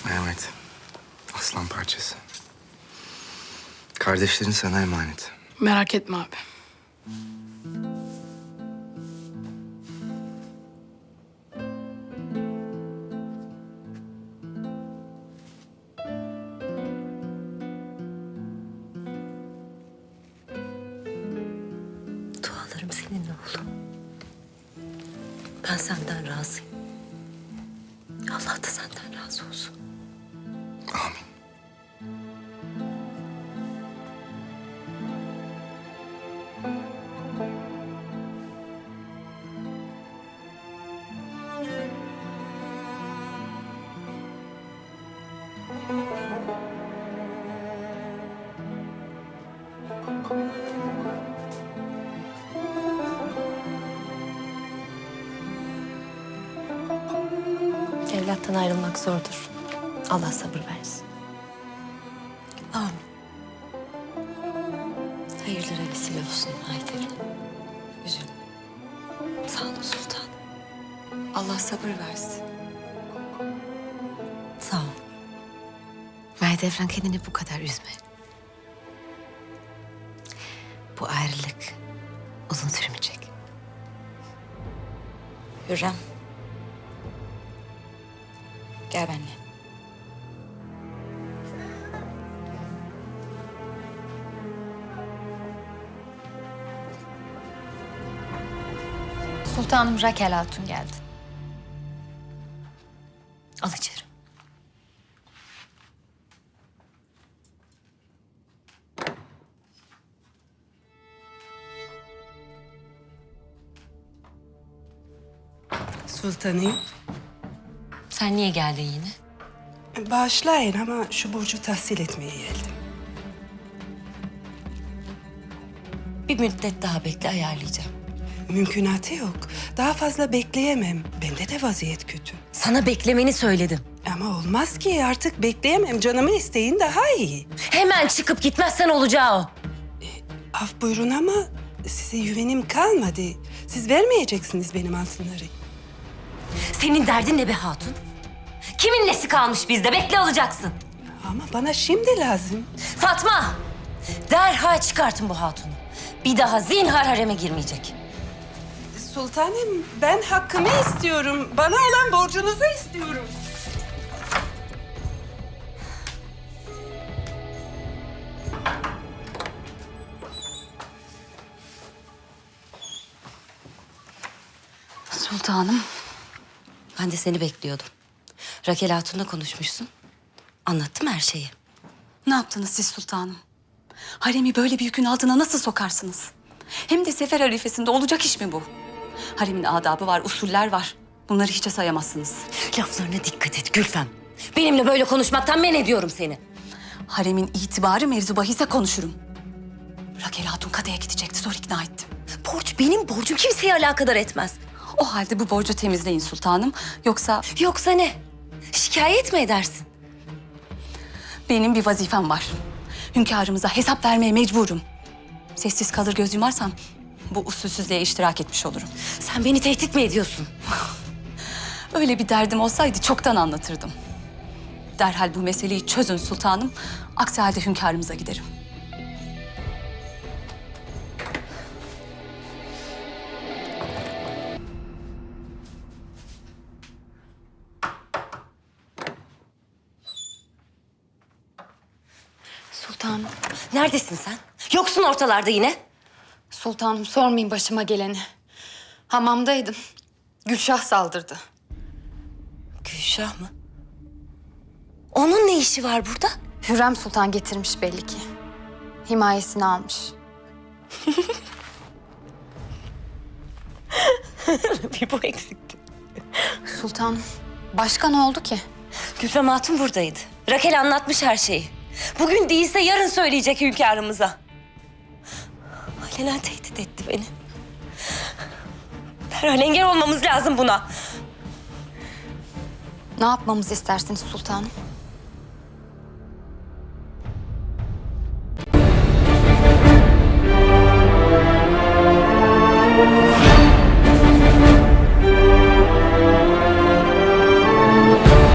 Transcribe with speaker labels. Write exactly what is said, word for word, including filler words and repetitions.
Speaker 1: Mehmet, aslan parçası. Kardeşlerin sana emanet.
Speaker 2: Merak etme abi.
Speaker 3: Dualarım seninle oğlum. Ben senden razıyım. Allah da senden razı olsun.
Speaker 1: Amin.
Speaker 3: Evlattan ayrılmak zordur. Allah sabır versin. Amin. Hayırlara vesile olsun Haydar'ım. Üzülme. Sağ ol sultanım.
Speaker 4: Allah sabır versin.
Speaker 3: Sağ ol. Mahidevran kendini bu kadar üzme. Bu ayrılık uzun sürmeyecek.
Speaker 4: Hürrem. Gel benimle.
Speaker 5: Sultanım Rakel Hatun geldi.
Speaker 3: Al içeri.
Speaker 6: Sultanım,
Speaker 3: Sen niye geldin yine?
Speaker 6: bağışlayın ama şu borcu tahsil etmeye geldim.
Speaker 3: Bir müddet daha bekle, ayarlayacağım.
Speaker 6: Mümkünatı yok. Daha fazla bekleyemem. Bende de vaziyet kötü.
Speaker 3: Sana beklemeni söyledim.
Speaker 6: Ama olmaz ki artık bekleyemem. Canımın isteğin daha iyi.
Speaker 3: Hemen çıkıp gitmezsen olacağı o.
Speaker 6: Af buyurun ama size güvenim kalmadı. Siz vermeyeceksiniz benim altınları.
Speaker 3: Senin derdin ne be hatun? Kimin nesi kalmış bizde? Bekle alacaksın.
Speaker 6: Ama bana şimdi lazım.
Speaker 3: Fatma! Derhal çıkartın bu hatunu. Bir daha zinhar hareme girmeyecek.
Speaker 6: Sultanım, ben hakkımı istiyorum. Bana olan borcunuzu istiyorum.
Speaker 4: Sultanım.
Speaker 3: Ben de seni bekliyordum. Rakel Hatun'la konuşmuşsun. Anlattım her şeyi.
Speaker 4: Ne yaptınız siz sultanım? Haremi böyle bir yükün altına nasıl sokarsınız? Hem de sefer harifesinde olacak iş mi bu? Haremin adabı var, usuller var. Bunları hiçe sayamazsınız.
Speaker 3: Laflarına dikkat et Gülfem. Benimle böyle konuşmaktan men ediyorum seni.
Speaker 4: Haremin itibarı mevzu bahise konuşurum. Rakel Hatun Kadı'ya gidecekti, zor ikna ettim.
Speaker 3: Borç benim borcum, kimseyi alakadar etmez.
Speaker 4: O halde bu borcu temizleyin sultanım. Yoksa
Speaker 3: Yoksa ne? Şikayet mi edersin?
Speaker 4: benim bir vazifem var. Hünkârımıza hesap vermeye mecburum. Sessiz kalır göz yumarsam bu usulsüzlüğe iştirak etmiş olurum.
Speaker 3: Sen beni tehdit mi ediyorsun?
Speaker 4: Öyle bir derdim olsaydı çoktan anlatırdım. Derhal bu meseleyi çözün sultanım. Aksi halde hünkârımıza giderim.
Speaker 5: Sultanım,
Speaker 3: Neredesin sen? Yoksun ortalarda yine.
Speaker 5: sultanım sormayın başıma geleni. Hamamdaydım. Gülşah saldırdı.
Speaker 3: Gülşah mı? Onun ne işi var burada?
Speaker 5: Hürrem Sultan getirmiş belli ki. Himayesini almış.
Speaker 3: Bir bu eksikti.
Speaker 5: Sultanım, başka ne oldu ki?
Speaker 3: Gülfem Hatun buradaydı. Rakel anlatmış her şeyi. Bugün değilse yarın söyleyecek hünkârımıza. Alenen tehdit etti beni. Derhal engel olmamız lazım buna.
Speaker 5: Ne yapmamızı istersiniz sultanım?